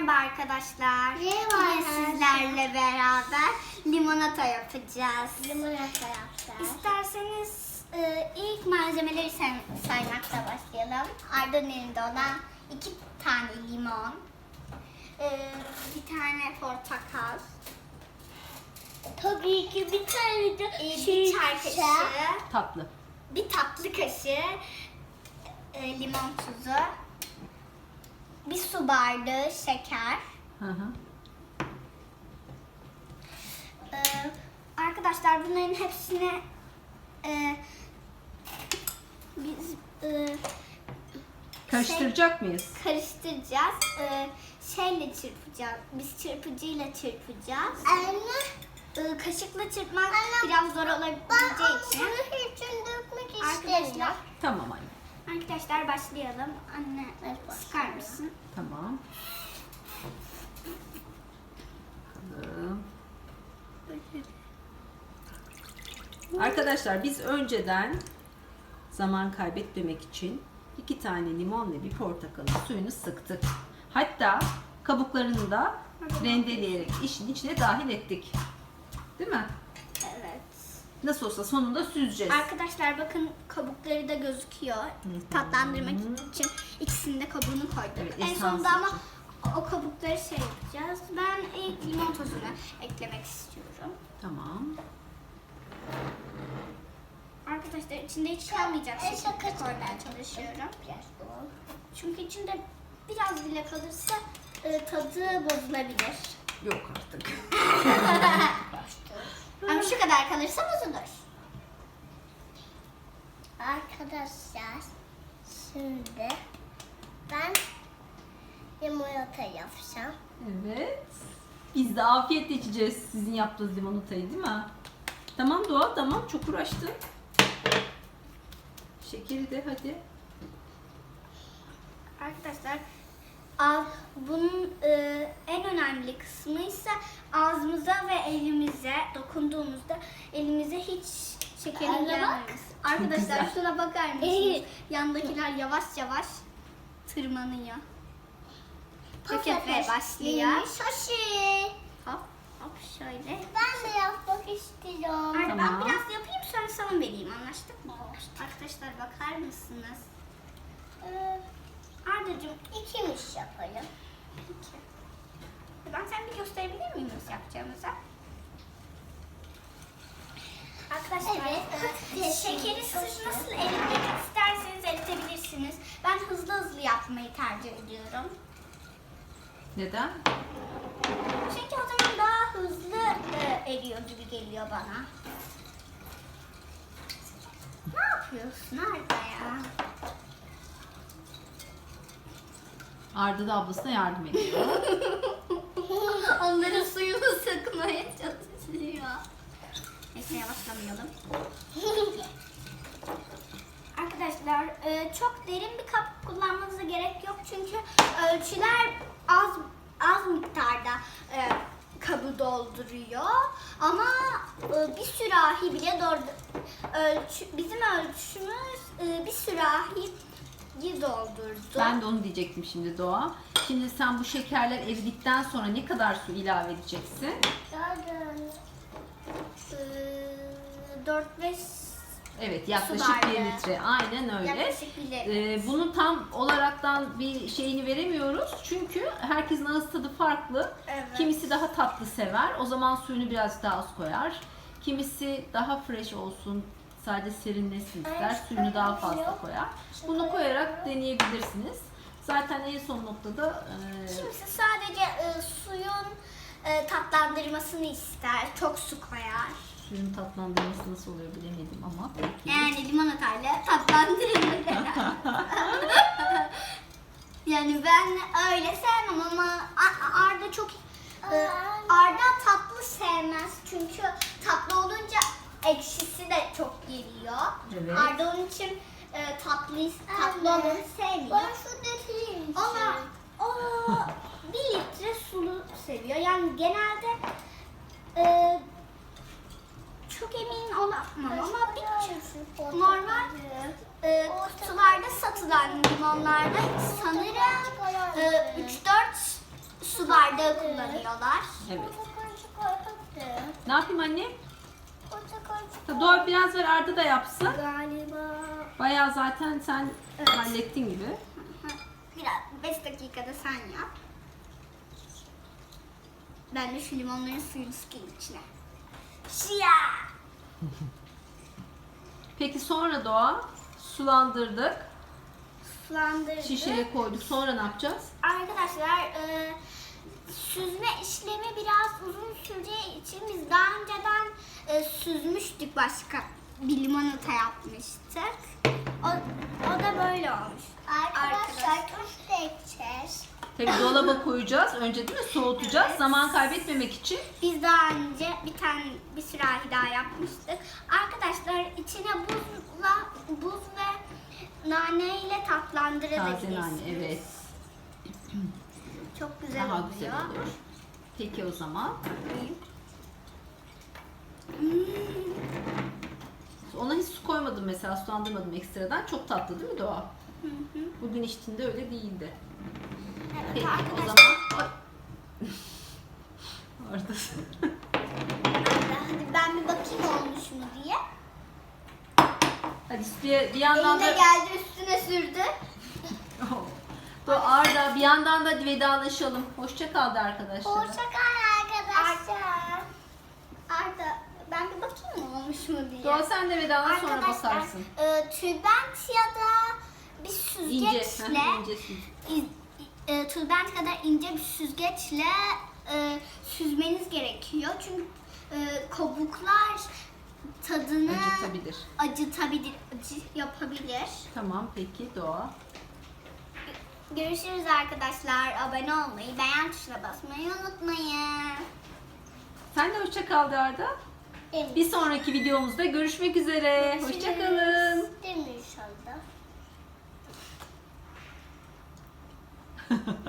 Merhaba arkadaşlar. Merhaba Bugün arkadaşlar. sizlerle beraber limonata yapacağız. Limonata yapacağız. İsterseniz ilk malzemeleri saymakla başlayalım. Arda'nın elinde olan 2 tane limon, bir tane portakal, Tabii ki bir tane de bir çay kaşığı, Tatlı. bir tatlı kaşığı limon tuzu, bir su bardağı şeker. Hı hı. Arkadaşlar bunların hepsini biz Karıştıracak mıyız? karıştıracağız. Şeyle çırpacağız. Biz çırpıcıyla çırpacağız. Anne. Kaşıkla çırpmak Anne, biraz zor olabileceği için. Bunu hepsini dökmek Arkadaşlar, istiyorum. Tamam anne. arkadaşlar başlayalım. Anne Evet, sıkar başlayalım. mısın? Tamam. Bakalım. Arkadaşlar biz önceden zaman kaybetmemek için 2 tane limon ve bir portakalın suyunu sıktık. Hatta kabuklarını da rendeleyerek işin içine dahil ettik. Değil mi? Evet. Nasıl olsa sonunda süzeceğiz. Arkadaşlar bakın kabukları da gözüküyor. Tatlandırmak için ikisinin de kabuğunu koyduk. Evet, En esans sonunda ama için. o kabukları şey yapacağız. Ben ilk limon tozunu eklemek istiyorum. Tamam. Arkadaşlar içinde hiç kalmayacak şekilde koymaya çalışıyorum. Çünkü içinde biraz bile kalırsa tadı bozulabilir. Yok artık. Ama şu kadar kalırsa bozulur. Arkadaşlar şimdi ben limonata yapacağım. Evet. Biz de afiyetle içeceğiz sizin yaptığınız limonatayı, değil mi? Tamam Doğa, tamam. Çok uğraştın. Şekeri de hadi. Arkadaşlar bunun en önemli kısmı ise ağzımıza ve elimize dokunduğumuzda elimize hiç şekerin Anne bak. gelmemesi. Arkadaşlar güzel. şuna bakar mısınız? Yandakiler yavaş yavaş tırmanıyor. Döketmeye başlıyor. Şaşı. Hop hop şöyle. Ben de yapmak istiyorum. Ben Tamam. biraz yapayım sonra sana vereyim, anlaştık mı? Arkadaşlar bakar mısınız? Ardacığım İkimiz yapalım. peki. Ben sen bir gösterebilir miyim nasıl yapacağımızı? Arkadaşlar Evet. şekeri siz nasıl eritmek isterseniz eritebilirsiniz. Ben hızlı hızlı yapmayı tercih ediyorum. Neden? Çünkü o zaman daha hızlı eriyor gibi geliyor bana. Ne yapıyorsun Arda ya? Arda da ablasına yardım ediyor. Onların suyunu sıkmaya çalışıyor. Neyse yavaşlamayalım. Arkadaşlar çok derin bir kap kullanmanıza gerek yok çünkü ölçüler az miktarda kabı dolduruyor ama bir sürahi bile bizim ölçümüz bir sürahiyi doldurdu. Ben de onu diyecektim şimdi Doğa. Şimdi sen bu şekerler eridikten sonra ne kadar su ilave edeceksin? 4-5 Evet, yaklaşık bardağı. 1 litre. Aynen öyle. yaklaşık bir litre. Bunun tam olaraktan bir şeyini veremiyoruz. Çünkü herkesin ağız tadı farklı. Evet. Kimisi daha tatlı sever. O zaman suyunu biraz daha az koyar. Kimisi daha fresh olsun, sadece serinlesin ister. Suyunu daha fazla koyar. Bunu koyarak deneyebilirsiniz. Zaten en son noktada Kimisi sadece suyun tatlandırmasını ister. Çok su koyar. suyun tatlandırması nasıl oluyor bilemedim ama peki. Yani limonatayla tatlandırılır. Yani ben öyle sevmem ama Arda çok Arda tatlı sevmez çünkü tatlı olunca ekşisi de çok geliyor. Evet. Arda onun için tatlı olanı sevmiyor. Bana su getireyim. O 1 litre sulu seviyor. Yani genelde çok emin olamam ama bir normal kutularda satılan limonlarda sanırım 3-4 su bardağı kullanıyorlar. Evet. Portakalcı koyduk. Ne yapayım anne? Portakalcı Doğa biraz ver, Arda da yapsın. Galiba Bayağı zaten sen Evet. hallettin gibi. biraz 5 dakikada sen yap. Ben de şu limonların suyunu sıkayım içine. Şia! Peki sonra Doğa sulandırdık. Sulandırdık. Şişeye koyduk. Sonra ne yapacağız? Arkadaşlar süzme işlemi biraz uzun süreceği için biz daha önceden süzmüştük, başka bir limonata yapmıştık. O da böyle olmuş. Arkadaşlar tuz da ekeceğiz. Tabii dolaba koyacağız. Önce değil mi? Soğutacağız. Evet. Zaman kaybetmemek için. Biz daha önce bir sürahi daha yapmıştık. Arkadaşlar içine buz ve nane ile tatlandırabilirsiniz. Taze nane, evet. Çok güzel Daha oluyor. güzel olur. Peki o zaman. Ona hiç su koymadım mesela, sulandırmadım ekstradan. Çok tatlı değil mi Doğa? Hı hı. Bugün içtiğinde öyle değildi. Evet Peki o arkadaşlar. zaman. Ay. Arda. Hadi ben bir bakayım olmuş mu diye. Hadi bir yandan Eline da geldi, üstüne sürdü. Arda, bir yandan da vedalaşalım. Hoşça kal de arkadaşlar. Hoşça kal arkadaşlar. Arda ben bir bakayım mı olmuş mu diye. Doğa sen de vedala sonra Arkadaşlar bakarsın. tülbent ya da bir İnce. süzgeçle ince süz. tülbent kadar ince bir süzgeçle süzmeniz gerekiyor. Çünkü kabuklar tadını Acıtabilir. acı yapabilir. Tamam peki Doğa. Görüşürüz arkadaşlar. Abone olmayı, beğen tuşuna basmayı unutmayın. Sen de hoşça kal de Arda. Bir sonraki videomuzda görüşmek üzere. Hoşça kalın. Değil mi inşallah?